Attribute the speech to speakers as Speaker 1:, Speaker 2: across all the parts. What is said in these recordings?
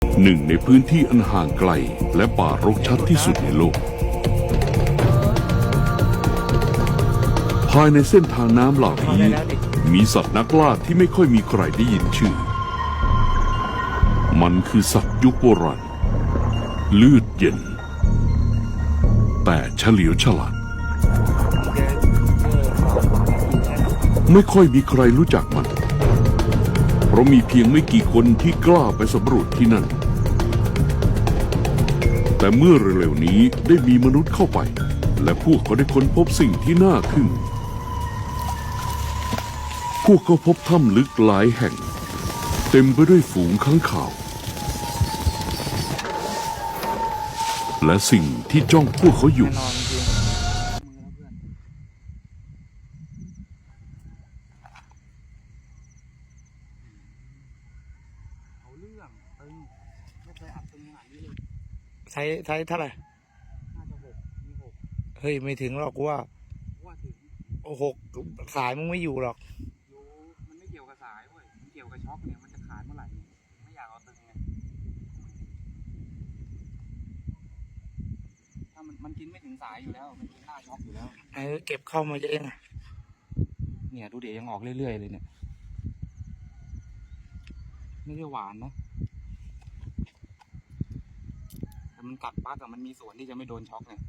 Speaker 1: หนึ่งในพื้นที่อันห่างไกลและป่ารกชัดที่สุดในโลกภายในเส้นทางน้ำเหล่านี้มีสัตว์นักล่าที่ไม่ค่อยมีใครได้ยินชื่อมันคือสัตว์ยุคโบราณเลือดเย็นแต่เฉลียวฉลาดไม่ค่อยมีใครรู้จักมันเพราะมีเพียงไม่กี่คนที่กล้าไปสำรวจที่นั่นแต่เมื่อเร็วๆนี้ได้มีมนุษย์เข้าไปและพวกเขาได้ค้นพบสิ่งที่น่าทึ่งพวกเขาพบถ้ำลึกหลายแห่งเต็มไปด้วยฝูงค้างคาวและสิ่งที่จ้องพวกเขาอยู่
Speaker 2: ใช้เท่าไหร่
Speaker 3: น่าจะมีหก
Speaker 2: เฮ้ยไม่ถึงหรอกกูว่า
Speaker 3: ถึง
Speaker 2: 6สายมึงไม่อยู่หรอก
Speaker 3: รู้มันไม่เกี่ยวกับสายเว้ยมันเกี่ยวกับช็อคเนี่ยมันจะขาดเมื่อไหร่ไม่อยากเอาตึงไงถ้ามันกินไม่ถึงสายอยู่แล้วมันกินหน้าช็อคอยู่แล้ว
Speaker 2: เก็บเข้ามาเอง
Speaker 3: เนี่ยดูเดี๋ยวยังออกเรื่อยๆเลยเนี่ยไม่ได้หวานนะแต่มันกัดปั๊กอะมันมีส่วนที่จะไม่โดนช็อคเนี่ย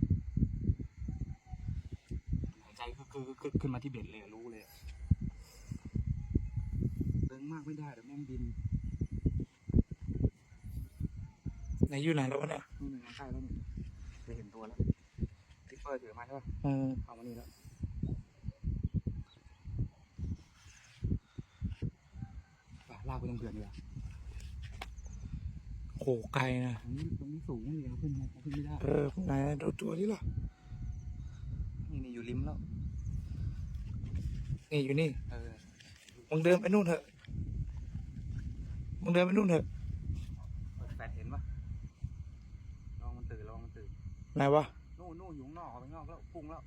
Speaker 3: หายใจคือขึ้นมาที่เบ็ดเลยรู้เลยตึงมากไม่ได้แต่แม่งบิน
Speaker 2: ไหนอยู่ไหนแล้ววะเนี่ย
Speaker 3: นี่มันใกล้แล้วเนี่ยไปเห็นตัวแล้วทิปเปอร์ถือมาใช่ป่ะเอามานี่แล้วลากไปตรงเขื่อนดีกว่า
Speaker 2: โหไกลนะ
Speaker 3: ตรงนี้สูงนี่เอาขึ้นไม่ได้
Speaker 2: ไหนดูตัวนี้หรอ
Speaker 3: นี่อยู่ริมแล้ว
Speaker 2: นี่อยู่นี่มึงเดินไปนู่นเถอะ
Speaker 3: แฟดเห็นปะลองมันตื่น
Speaker 2: ไหนวะ
Speaker 3: นู่นอยู่ข้างนอกออกไปข้างนอกแล้วพุ่งแล้ว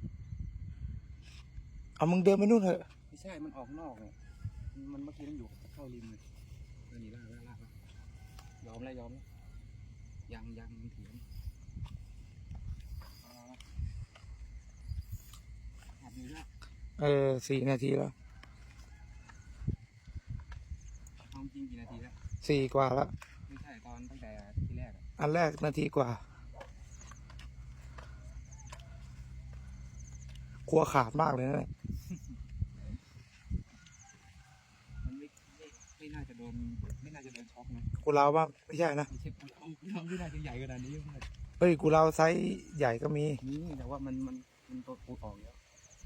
Speaker 2: เอามึงเดินไปนู่นเถอะ
Speaker 3: ไม่ใช่มันออกนอกเนี่ยมันเมื่อกี้มันอยู่เข้าริมเลยนี่ลากยอมแล้วยังมันเถียง
Speaker 2: 4 นาทีแล้ว
Speaker 3: ความจริงกี่นาทีแล้ว
Speaker 2: 4 กว่าแล้ว
Speaker 3: ไม่ใช่ตอนตั้งแต่ที่แรก
Speaker 2: อันแรกนาทีกว่า กลัวขาดมากเลยนะ
Speaker 3: มันไม่น่าจะโดนช็อกนะ
Speaker 2: กูเล่าบ้างไม่ใช่นะ
Speaker 3: ไม่น่าจะใหญ่ขนาดนี้
Speaker 2: เฮ้ยกูเล่าไซส์ใหญ่ก็มี
Speaker 3: แต่ว่ามันตัวปูออกแล้ว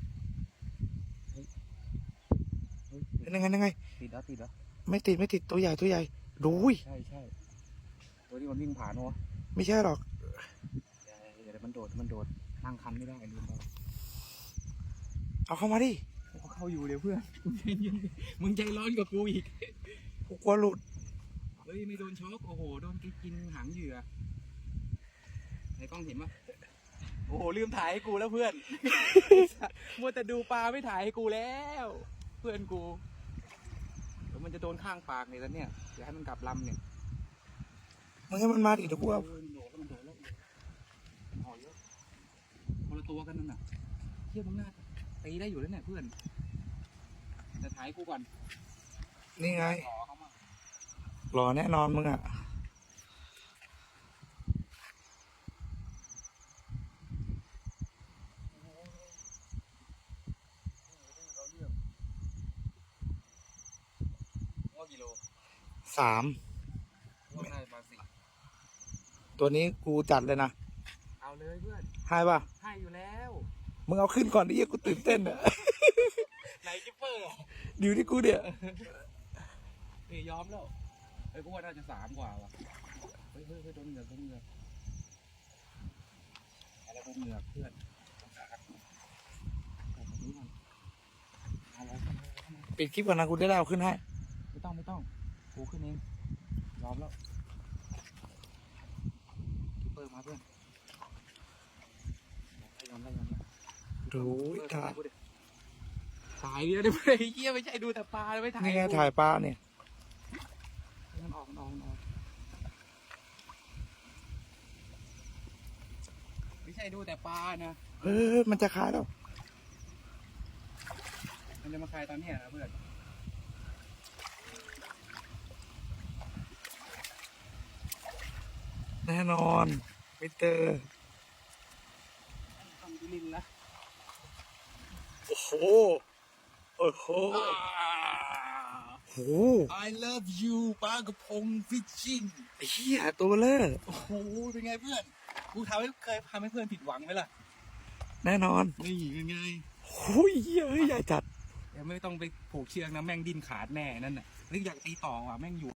Speaker 2: ยังไง
Speaker 3: ติดเหรอ
Speaker 2: ไม่ติดตัวใหญ่ดู
Speaker 3: ใช่ตัวที่มันวิ่งผ่านวะ
Speaker 2: ไม่ใช่หรอก
Speaker 3: เดี๋ยวมันโดดนั่งคันไม่ได้ลืมไป
Speaker 2: เอาเข้ามาดิ
Speaker 3: เข้าอยู่เดี๋ยวเพื่อนมึงใจร้อนกว่ากูอีก
Speaker 2: กูกลัวหลุด
Speaker 3: เฮ้ยไม่โดนช็อกโอ้โหโดนกินหางเหยื่อในกล้องเห็นปะโอ้โหลืมถ่ายให้กูแล้วเพื่อนมัวแต่ดูปลาไม่ถ่ายให้กูแล้วเพื่อนกูเดี๋ยวมันจะโดนข้างปากเลยแล้วเนี่ยอย่าให้มันกลับลำเนี่ย
Speaker 2: มึงให้มันมาดิเดี๋ยวกูเอา
Speaker 3: มันโดดแล้วห่อเยอะคนละตัวกันนั่นน่ะเทียบมึงหน้าตีได้อยู่แล้วเนี่ยเพื่อนจะถ่ายกูก่อน
Speaker 2: นี่ไงรอแน่นอนมึงอ่ะ
Speaker 3: กิโล
Speaker 2: 3ตัวนี้กูจัดเลยนะ
Speaker 3: เอาเลยเพื่อน
Speaker 2: ให้ป่ะ
Speaker 3: ให้อยู่แล้ว
Speaker 2: มึงเอาขึ้นก่อนดิกูตื่นเต้นอ่ะ
Speaker 3: ไหนกิปเปอร์
Speaker 2: อยู่ที่กูเนี่ย
Speaker 3: ยอมแล้วกูว่าน่าจะ3 กว่าว่ะเฮ้ยโดนเหงือกอะไรโดนเหงือกเพื่อน
Speaker 2: ปิดคลิปก่อนนะกูได้เอาขึ้นให้
Speaker 3: ไม่ต้องกูขึ้นเองยอมแล้วคิปเปอร์มาเพื่อนยอม
Speaker 2: ดู
Speaker 3: ถ่ายเดียวได้ไหมเยี่ยไม่ใช่ดูแต่ปลาไม่ถ่าย
Speaker 2: นี่ไงถ่ายปลาเนี่ย
Speaker 3: มันออกดูแต่ปลานะ
Speaker 2: มันจะคายแล้ว
Speaker 3: มันจะมาคายตอนเนี้ยนะเพื่อน
Speaker 2: แน่นอนมิสเตอร์
Speaker 3: ทำดิลินละ
Speaker 2: โอ้โหโอ้โหโอ้โห
Speaker 3: I love you ปลากระพงฟิชชิ่ง
Speaker 2: ไอ้เหี้ยตัวเลอ
Speaker 3: โอ้โหเป็นไงเพื่อนกูเคยทำให้เพื่อนผิดหวังไหมล่ะ
Speaker 2: แน่นอน
Speaker 3: นี่เป็นไง
Speaker 2: โอ้ยเหี้ยเฮ้ยใหญ่จัด
Speaker 3: เดี๋ยวไม่ต้องไปผูกเชือกนะแม่งดิ้นขาดแน่นั่นน่ะนึกอยากตีต่อว่ะแม่งอยู่